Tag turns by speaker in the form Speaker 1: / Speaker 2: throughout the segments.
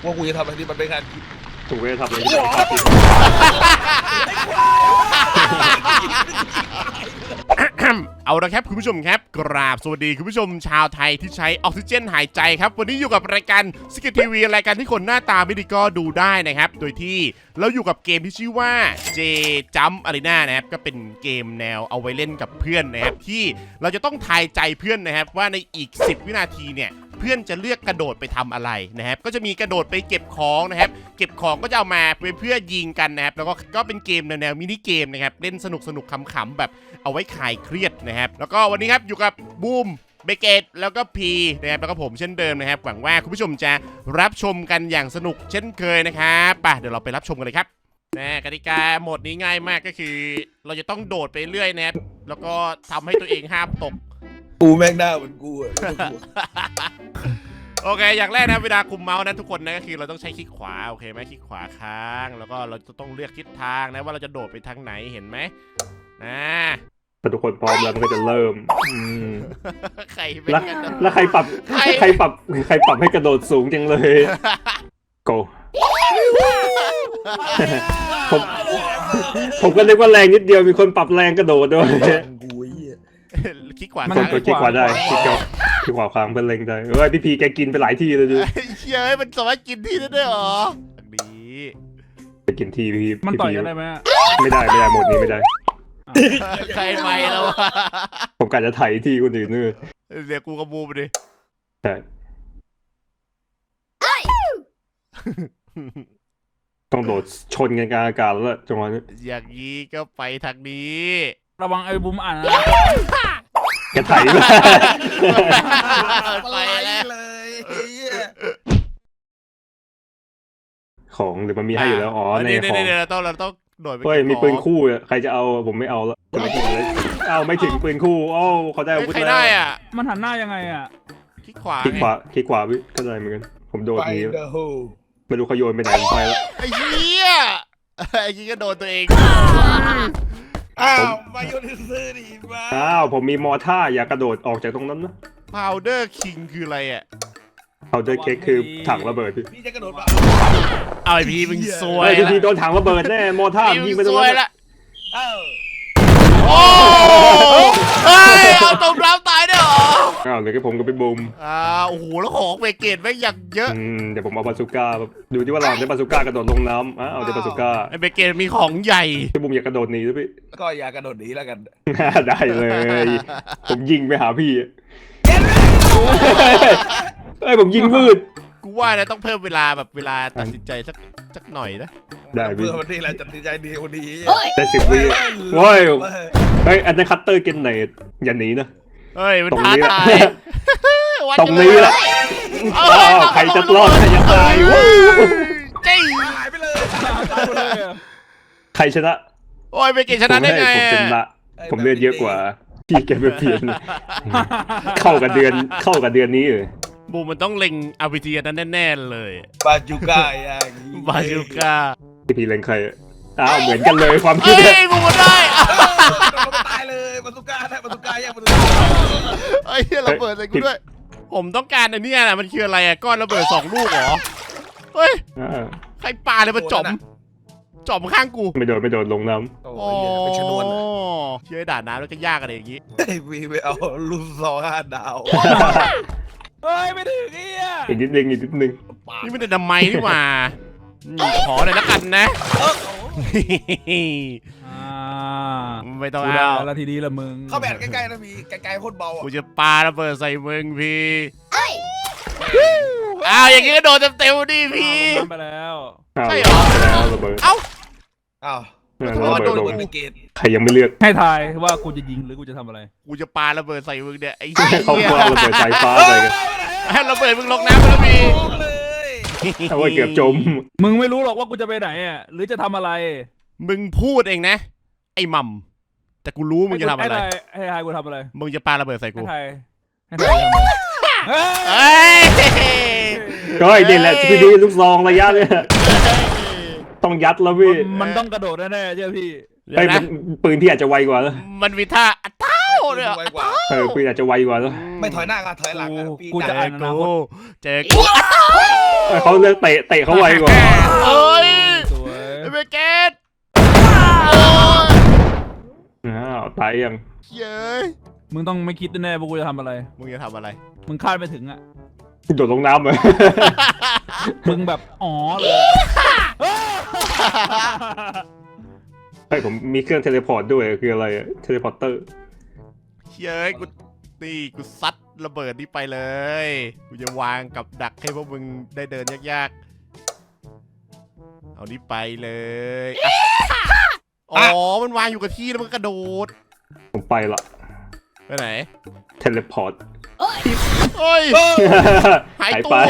Speaker 1: ว่ากูจะทำอะไรที่มันเป็นงาน
Speaker 2: ถูกไม่ได้ทำอะไรที่
Speaker 3: เอาละครับคุณผู้ชมครับกราบสวัสดีคุณผู้ชมชาวไทยที่ใช้ออกซิเจนหายใจครับวันนี้อยู่กับรายการสกิททีวีรายการที่คนหน้าตาไม่ดีก็ดูได้นะครับโดยที่เราอยู่กับเกมที่ชื่อว่า J Jump Arena นะครับก็เป็นเกมแนวเอาไว้เล่นกับเพื่อนนะครับที่เราจะต้องทายใจเพื่อนนะครับว่าในอีก10วินาทีเนี่ยเพื่อนจะเลือกกระโดดไปทำอะไรนะครับก็จะมีกระโดดไปเก็บของนะครับเก็บของก็จะเอามาเพื่อยิงกันนะครับแล้วก็เป็นเกมแนวมินิเกมนะครับเล่นสนุกขำๆแบบเอาไว้คลายเครียดนะครับแล้วก็วันนี้ครับอยู่กับบูมเบเกตแล้วก็พีนะครับแล้วก็ผมเช่นเดิมนะครับหวังว่าคุณผู้ชมจะรับชมกันอย่างสนุกเช่นเคยนะครับไปเดี๋ยวเราไปรับชมกันเลยครับกติกาโหมดนี้ง่ายมากก็คือเราจะต้องโดดไปเรื่อยนะครับแล้วก็ทำให้ตัวเองห้ามตก
Speaker 1: กูแม่งหน้าเหมือนกูอะ
Speaker 3: โอเคอย่างแรกนะเวลาคุมเมาส์นะทุกคนนะก็คือเราต้องใช้คลิกขวาโอเคไหมคลิกขวาค้างแล้วก็เราจะต้องเลือกทิศทางนะว่าเราจะโดดไปทางไหนเห็นไหมนะ
Speaker 2: พอทุกคนพร้อมแล้วมันก็จะเริ่ม
Speaker 3: ใครเป็นกัน
Speaker 2: แล้วใครปรับให้กระโดดสูงจังเลย go ผมก็นึกว่าแรงนิดเดียวมีคนปรับแรงกระโดดด้วย
Speaker 3: คลิกขวา
Speaker 2: คลิกขวาได้คลิกขวาค้างเป็นเล็งได้พี่พีแกกินไปหลายที่เลยดู
Speaker 3: เฮ้ยมันสามารถกินที่ได้ด้วยเหรอดี
Speaker 2: ไปกินที่พี่
Speaker 4: มันต่อยกันได้ไหม
Speaker 2: ไม่ได้หมดนี้ไม่ได้
Speaker 3: ใครไม่แล้ววะ
Speaker 2: ผมกะจะไถที่คนอื่นนี่
Speaker 3: เดี๋ยวกูกระบูไปดิ
Speaker 2: ใช่ต้องโดดชนกันกลางอากาศแล้วจังหวะนี้
Speaker 3: อย่างนี้ก็ไปทางนี้
Speaker 4: ระวังไอ้บุ้มอ่าน
Speaker 2: กระไถไป
Speaker 1: เลย
Speaker 2: ของหรือมันมีให้อยู่แล้วอ๋อในของ
Speaker 3: เราต้องโดดไป
Speaker 2: มีปืนคู่ใครจะเอาผมไม่เอาแล้วไม่ถึงเลยไม่ถึงปืนคู่เขาได้อาวุธแล้ว
Speaker 3: ใครได้อ่ะ
Speaker 4: มันหันหน้ายังไงอ่ะ
Speaker 3: คลิกขวา
Speaker 2: ก็ได้เหมือนกันผมโดดนี้ ไม่รู้เขาโยนไปไหนไปแล้ว
Speaker 3: ไอ้เหี้ยไอ้ยี่ก็โดนตัวเอง
Speaker 1: มาโยนซื้อดิมา
Speaker 2: ผมมีมอท่าอย่ากระโดดออกจากตรงนั้นนะ
Speaker 3: Powder King คืออะไรอ่ะ
Speaker 2: Powder Cake คือถังระเบิด
Speaker 1: พี่จะกระโดดมา
Speaker 3: เอาไอ้พี่มึงซวย
Speaker 2: พี่โดนถังระเบิดแน่มอท่ายิงไปตรงนั้นละ
Speaker 3: โอ้เฮ้ยเอาตรงน้ำตายได้หรอ
Speaker 2: เดี๋ยวผมก็ไปบูม
Speaker 3: โอ้โหแล้วของเบเกตแม่งอย่างเยอะ
Speaker 2: เดี๋ยวผมเอาบาซูก้าดูที่ว่าเราได้บาซูก้ากระโดดลงน้ำเอาได้บาซูก้า
Speaker 3: ไอ้เบเกตมีของใหญ่
Speaker 2: พี่บูมอยากกระโดดหนีด้วยพี่
Speaker 1: ก็อยากกระโดดหนีแล้วกัน
Speaker 2: ได้เลยผมยิงไปหาพี่ผมยิงวืด
Speaker 3: กูว่านะต้องเพิ่มเวลาตัดสินใจสักหน่อยนะ
Speaker 2: ได้
Speaker 1: เพื่อวันนี้แหละตัดสินใจดีวันนี้
Speaker 2: แต่10 วิโว้ยอันนั้นคัตเตอร์เกนเนตอย่าหนีนะ
Speaker 3: เฮ้ยมันท้าทาย
Speaker 2: ตรงนี้แหละใครจะรอดใครจะตาย
Speaker 3: จี้
Speaker 1: หายไปเลย
Speaker 2: ใครชนะ
Speaker 3: โอ้ยเบเกตชนะได้ไง
Speaker 2: ผมชนะผมเลือดเยอะกว่าพี่แกไม่เปลี่ยนเข้ากับเดือนนี้เลย
Speaker 3: บูมมันต้องเล็งอาร์พีจีนั้นแน่ๆเลย
Speaker 1: บาจูก้าอย่าง
Speaker 3: บาจูก้า
Speaker 2: พี่เล็งใครเหมือนกันเลยความคิด
Speaker 3: เนี่ยบูมได้
Speaker 1: ตายเลยบาจูก้าได้บาจูก้าแย่บาจูก้า
Speaker 3: ไอ้เหี้ยระเบิดใส่กูด้วยผมต้องการอันนี้นะมันคืออะไรก้อนระเบิด2 ลูกเหรอเฮ้ยใครปาเลยมาจ่อมข้างกู
Speaker 2: ไม่โดนลงน้ำ
Speaker 1: เป็นชนวน
Speaker 3: เชื่อด่าน้ำแล้วก็ยากอะไรอย่างงี้
Speaker 1: วีไปเอาลูกซอง5 ดาวเฮ้ยไม่ถึง
Speaker 2: อีกนิดนึง
Speaker 3: นี่ไม่ได้ดำไม้นี่หว่าขอเลยแล้วกันนะไม่ต้องเอา
Speaker 4: แล้วทีนี้ละมึง
Speaker 1: เข้าแบบใกล้ๆนะมีไกลๆโคตรเบา
Speaker 3: กูจะปาระเบิดใส่มึงพี่อย่างงี้ก็โดนเต็มดิพี่
Speaker 4: ไปแล้ว
Speaker 3: ใช่เหรอ
Speaker 1: มาโดนเบเกต
Speaker 2: ใครยังไม่เลือก
Speaker 4: ให้ทายว่ากูจะยิงหรือกูจะทำอะไร
Speaker 3: กูจะปาระเบิดใส่มึงเนี่ยไอ้
Speaker 2: เขาระเบิดสายฟ้าเลย
Speaker 3: ให้ระเบิดมึงลงน้ำแล้วพี่
Speaker 2: ถ้าว่าเกือบจม
Speaker 4: มึงไม่รู้หรอกว่ากูจะไปไหนหรือจะทำอะไร
Speaker 3: มึงพูดเองนะไอ้มัมแต่กูรู้มึงจะทำอะไร
Speaker 4: ให้ทายกูทำอะไร
Speaker 3: มึงจะปาระเบิดใส่กู
Speaker 4: ให้ทาย
Speaker 2: ก็ไอ้เด่นแหละพี่ดีลูกซองระยะเนี่ยต้องยัดแล้วพี่
Speaker 4: มันต้องกระโดดแน่ๆใช่พี่
Speaker 2: ปืนพี่อาจจะไวกว่า
Speaker 3: มันวิท่าเนี่ย
Speaker 1: ไวกว่า
Speaker 2: ปืนอาจจะไวกว่าแล้ว
Speaker 1: ไม่ถอยหน้าก็ถอยหลังอะปี
Speaker 4: กู
Speaker 1: ห
Speaker 4: จะ
Speaker 1: น้า
Speaker 4: อ่านอนาคต
Speaker 3: เจอกู
Speaker 2: เขาเลือกเตะเขาไวกว่า
Speaker 3: เอ้ย
Speaker 4: สวย
Speaker 3: ไอ้เบเกตโอ้ย
Speaker 2: ตายยัง
Speaker 3: เย้ย
Speaker 4: มึงต้องไม่คิดแน่ๆว่ากูจะทำอะไร
Speaker 3: มึงจะทำอะไร
Speaker 4: มึงคาดไม่ถึงอ่ะ
Speaker 2: โดดลงน้ำเลย
Speaker 4: มึงแบบอ๋อเลย
Speaker 2: เฮ้ยผมมีเครื่องเทเลพอร์ตด้วยคืออะไรเทเลพอร์เตอร์
Speaker 3: เย้ยกูนี่กูซัดระเบิดนี่ไปเลยกูจะวางกับดักให้พวกมึงได้เดินยากๆเอานี่ไปเลยอ่ะอ๋อมันวางอยู่กับที่แล้วมันกระโดด
Speaker 2: ผมไปละ
Speaker 3: ไปไหน
Speaker 2: เทเลพอร์ต
Speaker 3: เฮ้ย หายตัว
Speaker 2: ไป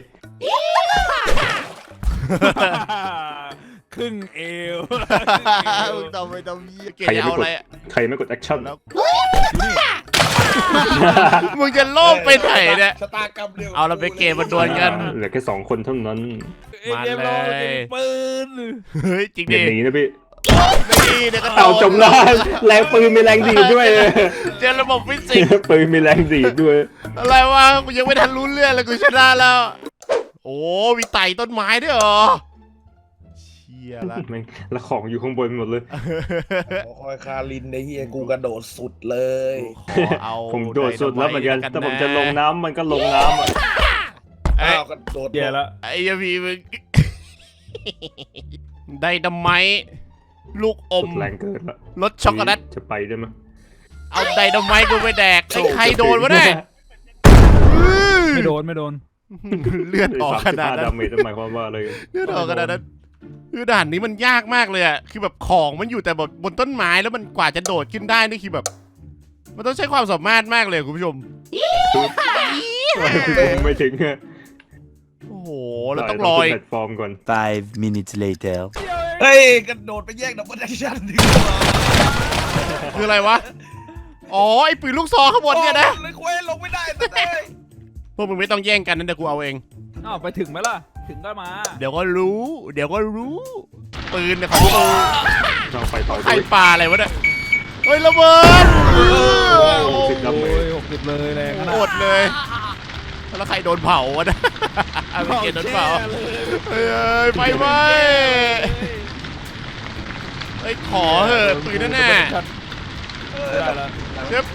Speaker 4: ครึ่งเอว
Speaker 3: มึงทำไมทำเหี้ยเกลียดจะเอาอะไรอะ
Speaker 2: ใครไม่กดแอคชั่น
Speaker 3: แล้วมึงจะโลภไปไหนเนี่ย
Speaker 1: ชะตากรรมเดียว
Speaker 3: เอาเราไปเกมมาดวลกัน
Speaker 2: เหลือแค่2 คนเท่านั้น
Speaker 3: มาเลย
Speaker 4: เกมเราจะมีปืน
Speaker 3: เฮ้ยจริง
Speaker 2: อย่า
Speaker 3: ดิ
Speaker 2: หนีนะพี่
Speaker 3: นี่เดี๋ยวก็โด
Speaker 2: เอา
Speaker 3: น
Speaker 2: จมน้ำแรงปืนมีแรงดีดด้วย
Speaker 3: เจอระบบฟิสิกส์
Speaker 2: ปืนมีแรงดีดด้วย
Speaker 3: อะไรวะกูยังไม่ทันรู้เรื่องเลยกูชนะแล้ว โอ้มีไต่ต้นไม้ด้วยเหรอเชี่ยละ
Speaker 2: แม่งแล้วของอยู่ข้างบนหมดเลย
Speaker 1: คอยคารินในเฮียกูกระโดดสุดเลย
Speaker 3: ขอเอา
Speaker 2: ผมโดดสุดแล้วเหมือนกัน แต่ผมจะลงน้ำมันก็ลงน้ำอะ
Speaker 3: เอ้ย
Speaker 1: อ้าวกระโดด
Speaker 4: แย่แล้ว
Speaker 3: ไอ้ยาพีมึง ได้ดำไมลูกอม
Speaker 2: แรงเกินละ
Speaker 3: รสช็อกโกแลต
Speaker 2: จะไปได้ไหม
Speaker 3: เอาไดนาไมต์กูไปแดกไอ้ใครโดนวะเนี่ย
Speaker 4: ไม่โดนไม่โดน
Speaker 3: เลือดออกขนาด
Speaker 2: 35
Speaker 3: นั้
Speaker 2: ดาน เมจหมายความว่าอะไร
Speaker 3: เลือดออกขนาดนั้นคือด่านนี้มันยากมากเลยอะคือแบบของมันอยู่แต่แบบบนต้นไม้แล้วมันกว่าจะโดดขึ้นได้นี่คือแบบ มันต้องใช้ความสามารถมากเลยคุณผู้ชม
Speaker 2: ผมไม่ถึงอะ
Speaker 3: โอ้โหเราต้องรอ
Speaker 2: ขึ้
Speaker 3: อี
Speaker 2: น
Speaker 3: ก
Speaker 2: แพลตฟอร์มก่อน
Speaker 5: 5 minutes later.
Speaker 1: เฮ้ยกระโดดไปแยกดับเบิลแอคชั่นดีกว่า
Speaker 3: คืออะไรวะอ๋อไอ้ปืนลูกซองข้างบนเนี่ยนะ
Speaker 1: เลยเควสลงไม่ได้สักเลย
Speaker 3: พวกมึงไม่ต้องแย่งกันนะเดี๋ยวกูเอาเอง
Speaker 4: อ้าวไปถึงไหมล่ะ ถึงก็มา
Speaker 3: เดี๋ยวก็รู้ เดี๋ยวก็รู้ปืนเนี่ยของกู
Speaker 2: เราไปต่อ
Speaker 3: ใคร
Speaker 2: ด้วย
Speaker 3: ปาอะไรวะเนี่ยเฮ้ยระเบิด
Speaker 2: 60 ดาเม
Speaker 4: โอ้
Speaker 2: จ
Speaker 4: ย60เลยแรงขนา
Speaker 3: โค
Speaker 4: ด
Speaker 3: ตรเลยแล้วใครโดนเผาวะเนี่ยไม่เกลียดโดนเผาเฮ้ยไฟไหม้เฮ้ยขอเหอะปืนนั่นน่ะ
Speaker 4: ได้แล้ว
Speaker 3: เดี๋ยว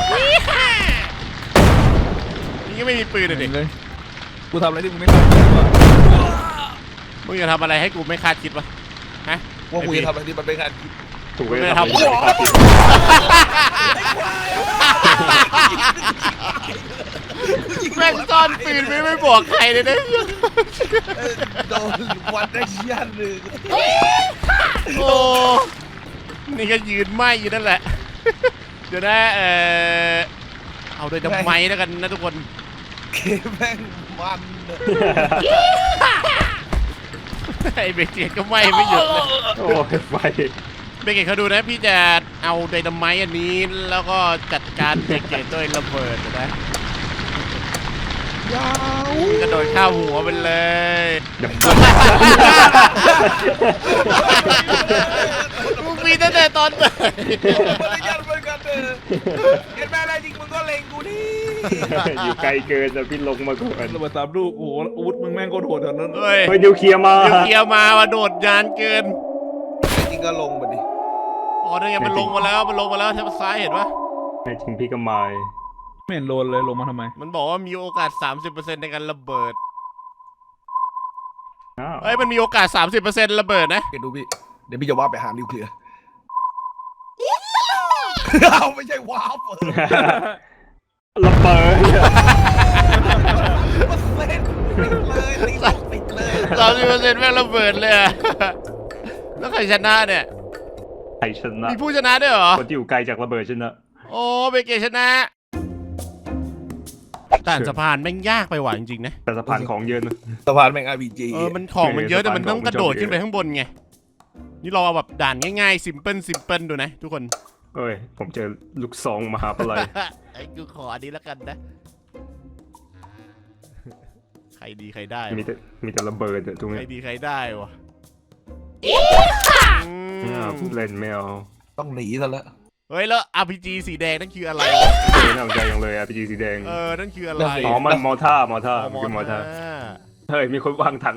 Speaker 3: นี่ก็ไม่มีปืนเลยดิ
Speaker 4: เลยกูทำอะไรที่มึงไม่ทำวะ
Speaker 3: มึงจะทำอะไรให้กูไม่คาดคิดวะฮะ
Speaker 1: ว่ากูจะทำอะไรที่มันไม่ทันคิด
Speaker 2: ถูกไหม
Speaker 3: ไม่
Speaker 2: ค
Speaker 3: ทำ
Speaker 2: รับ
Speaker 3: แม่งซ่อนปืนไม่บอกใครเลยนะ
Speaker 1: โดนวันแอคชั่นหนึ่ง
Speaker 3: โอ้นี่ก็ยืนไหมอยู่นั่นแหละ เดี๋ยวนะเอาโดยดำไม้แล้วกันนะทุกคน
Speaker 1: เกมแม่งมันอะ
Speaker 3: ไอ้เบเกตก็ไหม้ไม่หยุดเลย
Speaker 2: โอ้ยไฟ
Speaker 3: เบเกตเขาดูนะพี่จะเอาไดนาไมต์อันนี้แล้วก็จัดการเบเกตด้วยระเบิดนะกระโดดข้าวหัวไปเลย มึงมีตั้งแต่ตอนไหน
Speaker 1: มันยันเหมือนกันเออเห็นไหมอะไรจริงมึงก็เล็งกูดิ
Speaker 2: อยู่ไกลเกินแต่พี่ลงมาก่อน
Speaker 4: ระเบิด3 ลูกโอ้โหอาวุธมึงแม่งโคตรโหดตอนนั้น
Speaker 3: เฮ้ย
Speaker 2: ไปนิวเคลียร์มา
Speaker 3: เดี๋ยวเคลียร์มาว่าโดดยานเกิน
Speaker 1: จริงก็ลงมาดิ
Speaker 3: อ๋อนี่ไงมันลงมาแล้วทางซ้ายเห็นปะ
Speaker 2: ในจริงพี่ก็มาย
Speaker 4: ไม่เห็นโดนเลยลงมาทำไม
Speaker 3: มันบอกว่ามีโอกาส 30%ในการระเบิด
Speaker 2: อ้าว
Speaker 3: เฮ้ยมันมีโอกาส 30%ระเบิดนะ
Speaker 1: เดี๋ยวดูพี่เดี๋ยวพี่จะว่าไปหานิวเคลียร์เอาไม่ใช่ว้าวเปิด
Speaker 2: ระเบิด
Speaker 1: มันเล่นเลยตีตกติดเลย
Speaker 3: 30%แม่งระเบิดเลยอะแล้วใครชนะเนี่ย
Speaker 2: ใครชนะ
Speaker 3: มีผู้ชนะด้วยเหรอ
Speaker 2: คนที่อยู่ไกลจากระเบิดชนะ
Speaker 3: โอ้เบเกตชนะด่านสะพานแม่งยากไปหว่าจริงๆนะ
Speaker 2: แต่สะพานของเยอะนะ
Speaker 1: สะพานแม่ง RPG
Speaker 3: มันของมันเยอะแต่มันต้อง
Speaker 2: สะพานของ
Speaker 3: กระโดดขึ้นไปข้างบนไง นี่เราเอาแบบด่านง่ายๆซิมเพิลดูนะทุกคน
Speaker 2: เอ้ยผมเจอลูกซองมหาปลัย
Speaker 3: ไอ้กูขออันนี้แล้วกันนะ ใครดีใครได้
Speaker 2: มี
Speaker 3: วะ
Speaker 2: แต่มีแต่ระเบิดอะตรง
Speaker 3: ใค
Speaker 2: นี้
Speaker 3: รดีใครได้วะ
Speaker 2: พูดเล่นไม่เอา
Speaker 1: ต้องหนีซะแล้ว
Speaker 3: เฮ้ยแล้ว RPG สีแดงนั่นคืออะไร
Speaker 2: น่าสนใจอย่างเลย RPG สีแดง
Speaker 3: นั่นคืออะไร
Speaker 2: อ๋อมันมอท่ามอท่ามันคือมอท่าเฮ้ยมีคนวางถัง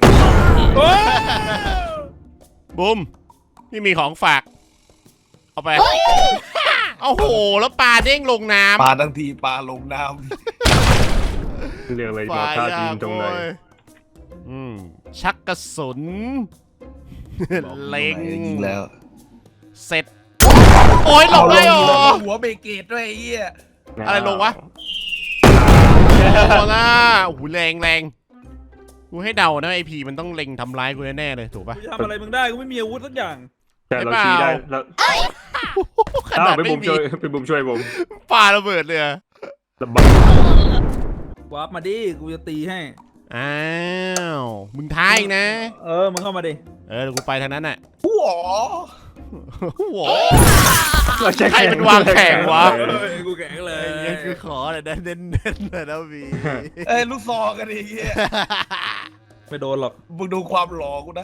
Speaker 3: บุ้มนี่มีของฝากเอาไปโอ้โหแล้วปลาเด้งลงน้ำ
Speaker 1: ปลาทั้งทีปลาลงน้
Speaker 2: เรียกอะไรมอท่าทีมตรงไหน
Speaker 3: ชักกระสุน
Speaker 1: ำ
Speaker 3: เล็ง
Speaker 1: ยิงแล้ว
Speaker 3: เสร็จโอ้ยหลบได้เหรอ
Speaker 1: หัวเบเกตด้วยไอ้เหี้ย
Speaker 3: อะไรลงวะโอ้ล่ะโอ้โหแรงกูให้เดานะไอพีมันต้องเล็งทำร้ายกูแน่ๆเลยถูกปะ
Speaker 4: กูจะทำอะไรมึงได้กูไม่มีอาวุธสักอย่าง
Speaker 2: แต่เราชี้ได้แล้ว
Speaker 3: ขนาด
Speaker 2: ไป
Speaker 3: ไม่
Speaker 2: บุม
Speaker 3: มี
Speaker 2: ช่วยไปบุมช่วยผม
Speaker 3: ปาระเบิดเลยอะ
Speaker 2: ระเบิด
Speaker 4: วาร์ปมาดิกูจะตีให้
Speaker 3: อ้าวมึงท้าอีกนะ
Speaker 4: มึงเข้ามาดิ
Speaker 3: เดี๋ยวกูไปทางนั้นน่ะ
Speaker 1: หัว
Speaker 3: โห
Speaker 2: เราใช้
Speaker 3: ใครมันวางแผงวะ
Speaker 4: กูแข็งเลย
Speaker 3: ยังคือขอเลยนะเน้นๆเลยนะวี
Speaker 1: ลูกซองกันไอ้เหี้ย
Speaker 4: ไม่โดนหรอก
Speaker 1: มึงดูความหล่อกูนะ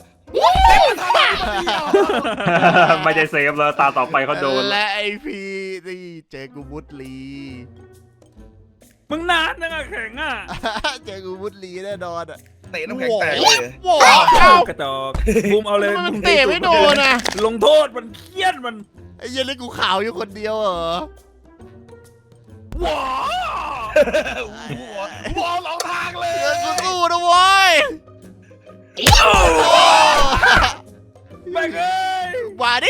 Speaker 2: ไม่ได้เซฟแล้วตาต่อไปเขาโดน
Speaker 3: และไอพีนี่เจอกูมุดลี
Speaker 4: มึงนานนังอะแข็งอ่ะ
Speaker 3: เจอกูมุดลีแน่นอนอ่ะ
Speaker 1: เตะน้ำแข็งแตกเลย
Speaker 3: โว้าว
Speaker 4: กระจอกบูมเอาเลย
Speaker 3: ทำไมมันเตะไม่โดนอ่ะ
Speaker 4: ลงโทษมันเครียดมัน
Speaker 3: ไอ้เหี้ยันเล่นกูขาวอยู่คนเดียวเหรอ
Speaker 1: หัวหัวสองทางเลย
Speaker 3: เดี๋ยวกูสู้นะเว้ย
Speaker 4: แม่งเอ้ย
Speaker 3: มาดิ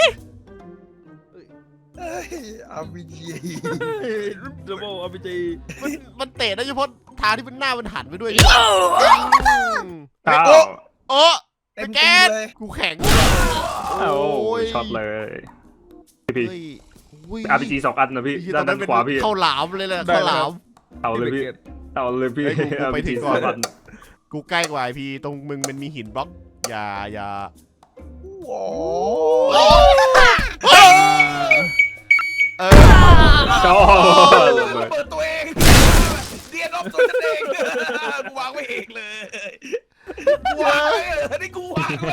Speaker 1: อาร์พีจี
Speaker 4: ดับเบิลอาร์พีจี
Speaker 3: มันเตะได้เฉพาะทางที่มันหน้ามันหันไปด้วย
Speaker 2: อ้าว
Speaker 3: โอ้
Speaker 1: เต็ม
Speaker 3: แก
Speaker 1: ที
Speaker 3: น
Speaker 1: เลย
Speaker 3: กูแข็ง
Speaker 2: โอ้ช็อตเลยพี่
Speaker 3: เฮ้ย
Speaker 2: RPG 2 อันนะพี่ด้านขวาพี่
Speaker 3: เข้าหลามเลยแหละเข้าหลาม
Speaker 2: เอาเลยพี่เอาเลยพี่
Speaker 3: เฮ้ยกูไปถึ
Speaker 2: RPG
Speaker 3: งก่อน
Speaker 2: 2 อัน
Speaker 3: กูใกล้กว่าไอพีตรงมึงมันมีหินบล็อกอย่า
Speaker 1: โอ้
Speaker 3: เฮ้ยเออ
Speaker 2: ชอบระ
Speaker 1: ระ
Speaker 2: เบิด
Speaker 1: เบิดตัวเองเดียนรอบตัวฉันเองกูวางไว้เองเลยกูวางไว้นี่กูวางไว้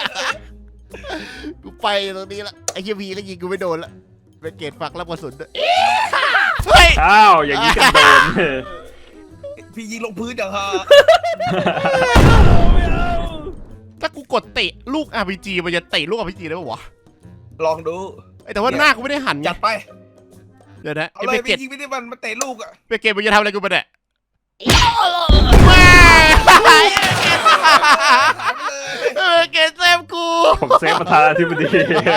Speaker 3: กูไปตรงนี้ละไอ้เฮียพีก็ยิงกูไม่โดนละเป็นเกตฝักรับกระสุนด้วยเฮ้ย
Speaker 2: อ้าวอย่างนี้กันโดน
Speaker 1: พี่ยิงลงพื้นอย่างฮะ
Speaker 3: ถ้ากูกดเตะลูก RPG มันจะเตะลูก RPG ได้ปะวะ
Speaker 1: ลองดู
Speaker 3: แต่ว่าหน้ากูไม่ได้หันไง
Speaker 1: จัดไป
Speaker 3: เดี๋ยวนะ
Speaker 1: เอา
Speaker 3: ไอ้
Speaker 1: เล
Speaker 3: เบ
Speaker 1: ย
Speaker 3: เก
Speaker 1: พี่
Speaker 3: ต
Speaker 1: ยิงไม่ได้มันเตะลูกอ่ะ
Speaker 3: เบเกตมันจะทำอะไรกูไปเนี่ยแม่ เบเกตเซฟกู
Speaker 2: ผมเซฟประธานาธิบดี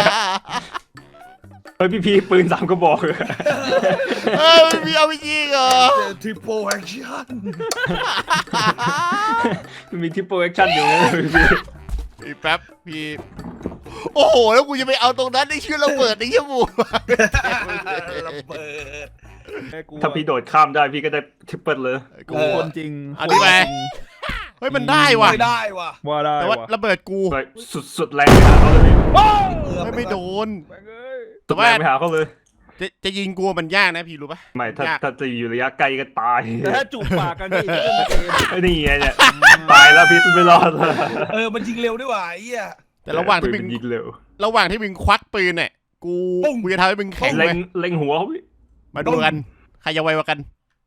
Speaker 2: เฮ้ยพี่ปืน3 กระบอก
Speaker 3: มันมี RPG เหรอ
Speaker 1: ทริปโปแอคชั่น
Speaker 2: มันมีทิปโปรแอคชั่นอยู่นะพี่
Speaker 3: อีกแป๊บพี่โอ้โหแล้วกูจะไปเอาตรงนั้นไอ้ชื่อระเบิดไอ้เหี้ยหมู
Speaker 1: ระเบิด
Speaker 2: ถ้าพี่โดดข้ามได้พี่ก็ได้ทริปเปิลเลย
Speaker 3: กู
Speaker 4: คนจริง
Speaker 3: เอาดิไปเฮ้ยมันได้ว่ะ
Speaker 1: ไม่ได้ว่ะ
Speaker 4: ว่าได้
Speaker 3: แต่ว่า
Speaker 4: ว่ะ
Speaker 3: ระเบิดกู
Speaker 2: ไปสุดแรงไปหาเขาเลยพี่
Speaker 3: ไม่โดน
Speaker 4: แม่งเอ้ย
Speaker 2: สุดแรงไปหาเขาเลย
Speaker 3: จะยิงกูมันยากนะพี่รู้ปะ
Speaker 2: ไม่ถ้าย
Speaker 3: าก
Speaker 2: ถ้าจะอยู่ระยะไกลก็ตาย
Speaker 4: แต่ถ้าจูบปากกันนี่ก็เป็นเกม
Speaker 2: ไอ้นี่ไงเนี่ยตายแล้วพี่ไม่รอดแล้ว
Speaker 1: มันยิงเร็วด้วยว่ะไอ้เหี้ย
Speaker 3: แต่ระหว่างที่มึง
Speaker 2: ปืนยิงเร็ว
Speaker 3: ระหว่างที่มึงควักปืนเนี่ยกู
Speaker 1: ปุ้ง
Speaker 3: กูจะทำให้มึงแข็ง
Speaker 2: เล็
Speaker 3: เล
Speaker 2: ง
Speaker 3: ย
Speaker 2: เล็งหัวเขาพี่
Speaker 3: มาดูกันใครจะไวกว่ากัน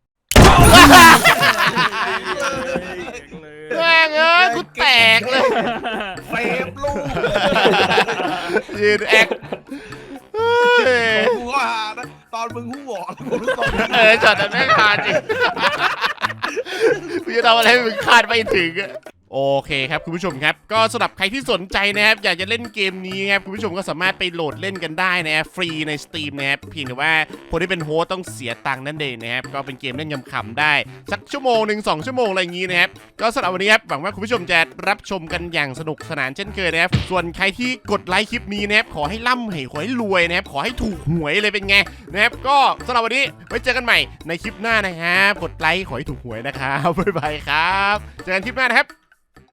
Speaker 3: แม่งเอ้ยกูแตกเลย
Speaker 1: เฟฟลูก
Speaker 3: ยืนแอคเฮ้ย
Speaker 1: กูก็หานะตอนมึงหูหวอกูรู้ตอนนี้
Speaker 3: ช็อตนั้นแม่งฮาจริงกูจะทำอะไรให้มึงคาดไม่ถึงอะโอเคครับคุณผู้ชมครับก็สำหรับใครที่สนใจนะครับอยากจะเล่นเกมนี้ครับคุณผู้ชมก็สามารถไปโหลดเล่นกันได้นะครับฟรีใน Steam นะครับเพียงแต่ว่าคนที่เป็นโฮสต์ต้องเสียตังค์นั่นเองนะครับก็เป็นเกมเล่นขำๆได้สักชั่วโมงหนึ่ง2 ชั่วโมงอะไรอย่างนี้นะครับก็สำหรับวันนี้ครับหวังว่าคุณผู้ชมจะรับชมกันอย่างสนุกสนานเช่นเคยนะครับส่วนใครที่กดไลค์คลิปนี้นะครับขอให้ร่ำให้ขอให้รวยนะครับขอให้ถูกหวยเลยเป็นไงนะครับก็สำหรับวันนี้ไว้เจอกันใหม่ในคลิปหน้านะครับกดไลค์ขอให้ถูกหวยนะครับบ๊ายบายครับเจอกันคลิปหน้านะครับ